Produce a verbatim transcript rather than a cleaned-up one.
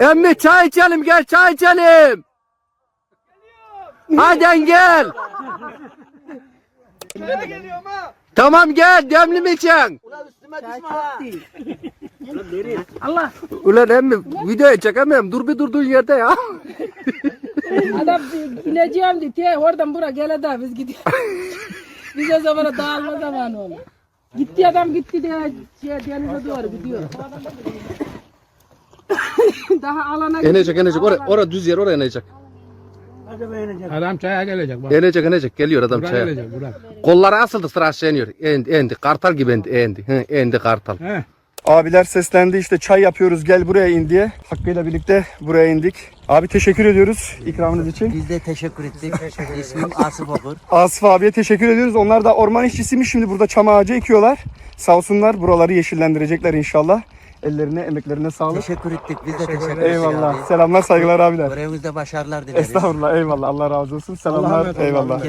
Emmi çay içelim, gel çay içelim. Hadi gel. Şöyle geliyorum ha. Tamam gel, demli mi içeceksin? Ulan üstüme düşme ha. Allah. Ulan emmi videoya çekemem. Dur bir durduğun yerde ya. Adam ineceğim diye te, oradan buraya gele daha biz gidiyoruz. Biz o zamana dağılma zamanı oldu. Gitti adam gitti diye şey, denize doğru gidiyor. Daha alana İnecek inecek. Oraya, oraya düz yer, oraya inecek. Adam çaya gelecek bak. İnecek inecek. Geliyor adam Buraya çaya. gelecek buraya. Kolları asıldı, sıra aşağı iniyor. Endi, endi. Kartal gibi endi, endi. Hı, endi kartal. He. Abiler seslendi işte çay yapıyoruz gel buraya in diye. Hakkı'yla birlikte buraya indik. Abi teşekkür ediyoruz ikramınız için. Biz de teşekkür ettik. İsmim Asif Okur. Asif abiye teşekkür ediyoruz. Onlar da orman işçisiymiş, şimdi burada çam ağacı ekiyorlar. Sağ olsunlar, buraları yeşillendirecekler inşallah. Ellerine, emeklerine sağlık. Teşekkür ettik. Biz de teşekkür ettik. Eyvallah. abi. Selamlar, saygılar abiler. Görevinizde başarılar dileriz. Estağfurullah, eyvallah. Allah razı olsun. Selamlar, eyvallah.